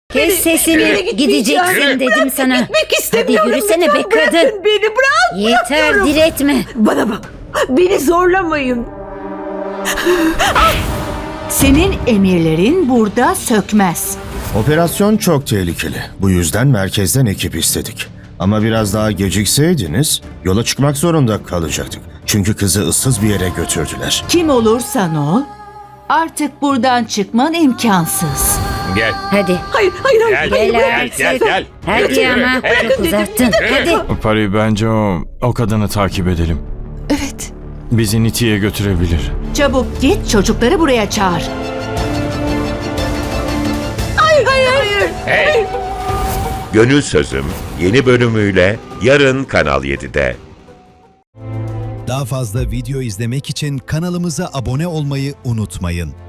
Kes sesini, gideceksin dedim sana. Gitmek Hadi istemiyorum. yürüsene Lütfen be bırakın kadın. beni, bırak. Yeter, bırakıyorum. diretme. Bana bak. Beni zorlamayın. Senin emirlerin burada sökmez. Operasyon çok tehlikeli. Bu yüzden merkezden ekip istedik. Ama biraz daha gecikseydiniz yola çıkmak zorunda kalacaktık. Çünkü kızı ıssız bir yere götürdüler. Kim olursan ol, artık buradan çıkman imkansız. Gel. Hadi. Hayır, hayır, hayır. Gel, hayır, gel hayır. artık. gel. Hadi Yürü, ama hey. çok uzattın. Hadi. Pari, bence o kadını takip edelim. Evet. Bizi Niti'ye götürebilir. Çabuk git, çocukları buraya çağır. Hey. Gönül Sözüm yeni bölümüyle yarın Kanal 7'de. Daha fazla video izlemek için kanalımıza abone olmayı unutmayın.